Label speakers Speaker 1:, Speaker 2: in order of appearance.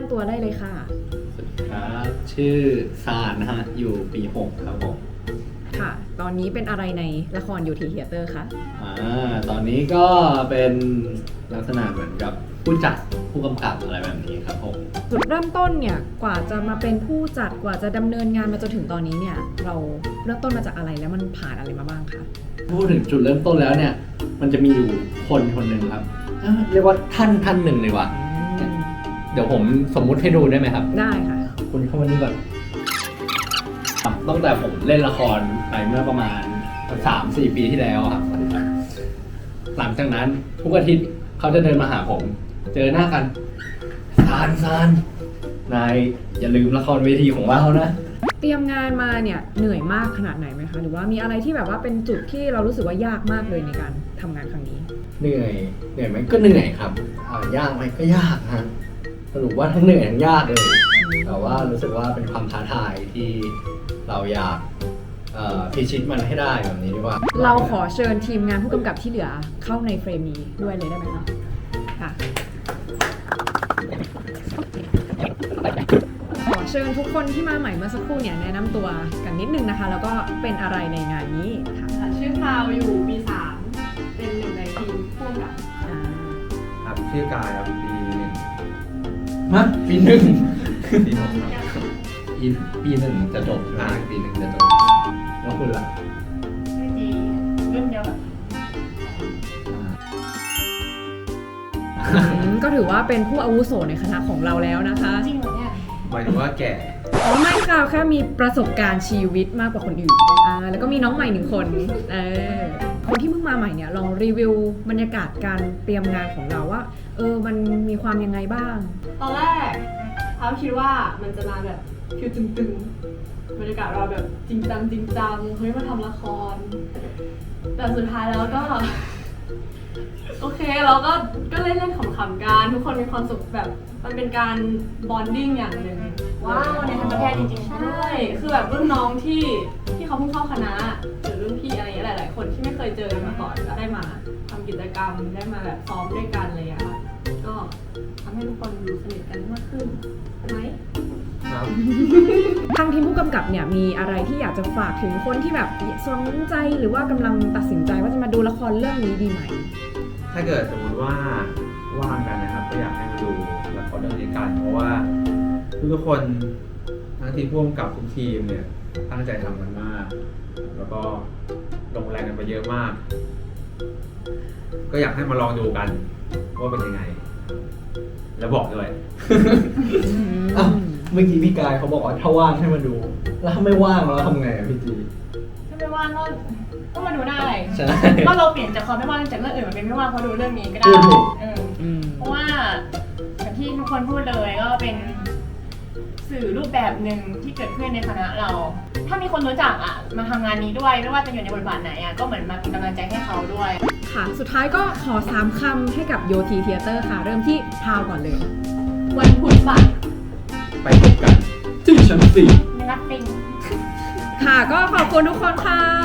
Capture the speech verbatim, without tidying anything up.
Speaker 1: ำตัวได้เลยค่ะ
Speaker 2: ครับชื่อซานนะฮะอยู่ปีหกครับผม
Speaker 1: ค่ะตอนนี้เป็นอะไรในละครยูทีเทเตอร์คะ
Speaker 2: อ่าตอนนี้ก็เป็นลักษณะเหมือนกับผู้จัดผู้กำกับอะไรแบบนี้ครับผม
Speaker 1: จุดเริ่มต้นเนี่ยกว่าจะมาเป็นผู้จัดกว่าจะดำเนินงานมาจนถึงตอนนี้เนี่ยเราเริ่มต้นมาจากอะไรแล้วมันผ่านอะไรมาบ้างคะ
Speaker 2: พูดถึงจุดเริ่มต้นแล้วเนี่ยมันจะมีอยู่คนคนหนึ่งครับเรียกว่าท่านท่านหนึ่งเลยว่ะเดี๋ยวผมสมมุติให้ดูได้ไหมครับ
Speaker 1: ได้ค่ะ
Speaker 2: คุณเข้ามานี่ก่อนตั้งแต่ผมเล่นละครไปเมื่อประมาณ สามสี่ ปีที่แล้วครับหลังจากนั้นทุกอาทิตย์เขาจะเดินมาหาผมเจอหน้ากันซานซานนายอย่าลืมละครเวทีของเรานะ
Speaker 1: เตรียมงานมาเนี่ยเหนื่อยมากขนาดไหนไหมคะหรือว่ามีอะไรที่แบบว่าเป็นจุดที่เรารู้สึกว่ายากมากเลยในการทำงานครั้งนี้
Speaker 2: เหนื่อยเหนื่อยไหมก็เหนื่อยครับยากไหมก็ยากฮะสรุปว่าทั้งเหนื่อยทั้งยากเลยแต่ว่ารู้สึกว่าเป็นความท้าทายที่เราอยากพิชิตมันให้ได้แบบนี้ดีกว่า
Speaker 1: เราขอเชิญทีมงานผู้กำกับที่เหลือเข้าในเฟรมนี้ด้วยเลยได้ไหมคะค่ะขอเชิญทุกคนที่มาใหม่เมื่อสักครู่เนี่ยแนะนำตัวกันนิดนึงนะคะแล้วก็เป็นอะไรในงานนี้ค่ะ
Speaker 3: ชื่อพาวอยู่ปีสามเป็นหนึ่งในทีมผู้กำกับ
Speaker 4: ครับชื่อกายครับปีหนึ่ง
Speaker 2: ฮะปีหนึ่ง
Speaker 4: ปีหกครับ
Speaker 2: ปีปีหนึ่งจะจบอ่าปีหนึ่งจะจบแล้วคุณล่ะ
Speaker 3: ไม่ดีรุ่นเดียวแบบ
Speaker 1: ก็ถือว่าเป็นผู้อาวุโสในคณะของเราแล้วนะคะ
Speaker 3: จริงเหรอเนี่ย
Speaker 4: หมายถึงว่าแก่
Speaker 1: อ๋อไม่ค่ะแค่มีประสบการณ์ชีวิตมากกว่าคนอื่นอ่าแล้วก็มีน้องใหม่หนึ่งคนเออคนที่เพิ่งมาใหม่เนี่ยลองรีวิวบรรยากาศการเตรียมงานของเราว่าเออมันมีความยังไงบ้าง
Speaker 3: ตอนแรกเขาคิดว่ามันจะมาแบบคิวตึงๆบรรยากาศเราแบบจริงจังจริงจังเฮ้ยมาทำละครแต่สุดท้ายแล้วก็โอเคเราก็ก็เล่นเล่นขำๆกันทุกคนมีความสุขแบบมันเป็นการบอนดิ้งอย่างหนึ่งว้าวในทันตแพทย์จริงๆใช่คือแบบรุ่นน้องที่ที่เขาเพิ่งเข้าคณะหรือรุ่นพี่อะไรอย่างเงี้ยหลายๆคนที่ไม่เคยเจอมาก่อนก็ได้มาทำกิจกรรมได้มาแบบซ้อมด้วยกันอะไรอย่างเงี้ยก็ทำให้ทุกคนดูสนิทกันมากขึ้นไหม
Speaker 1: ทางทีมผู้กำกับเนี่ยมีอะไรที่อยากจะฝากถึงคนที่แบบสนใจหรือว่ากำลังตัดสินใจว่าจะมาดูละครเรื่องนี้ดีไหม
Speaker 4: ถ้าเกิดสมมติว่าว่างกันนะครับก็อยากให้มาดูละครเรื่องนี้กันเพราะว่าทุกคนทั้งทีมผู้กำกับทุกทีมเนี่ยตั้งใจทำกันมากแล้วก็ลงแรงกันไปเยอะมากก็อยากให้มาลองดูกันว่าเป็นยังไงแล้วบอกด้วย
Speaker 2: เมื่อกี้พี่กายเขาบอกว่าถ้าว่างให้มาดูแล้วถ้าไม่ว่างเราทำไงอ่ะพี่จี
Speaker 3: ถ้าไม่ว่างก็ก็มาดูหน้าอะไรก็เราเปลี่ยนจากความไม่ว่างจากเรื่องอื่นมาเป็นไม่ว่างเพราะดูเรื่องนี้ก็ได้เพราะว่าอย่างที่ทุกคนพูดเลยก็เป็นสื่อรูปแบบหนึ่งที่เกิดขึ้นในคณะเราถ้ามีคนรู้จักอ่ะมาทำงานนี้ด้วยไม่ว่าจะอยู่ในบทบาทไหนอ่ะก็เหมือนมาเป็นกำลังใจให้เขาด้วย
Speaker 1: ค่ะสุดท้ายก็ขอสามคำให้กับโยทีเทเตอร์ค่ะเริ่มที่พาวก่อนเลย
Speaker 3: วันพุธบ่าย
Speaker 4: ไปพบกันที่ชั้นสี่
Speaker 3: นะครับปิง
Speaker 1: ค่ะก็ขอบคุณทุกคนค่ะ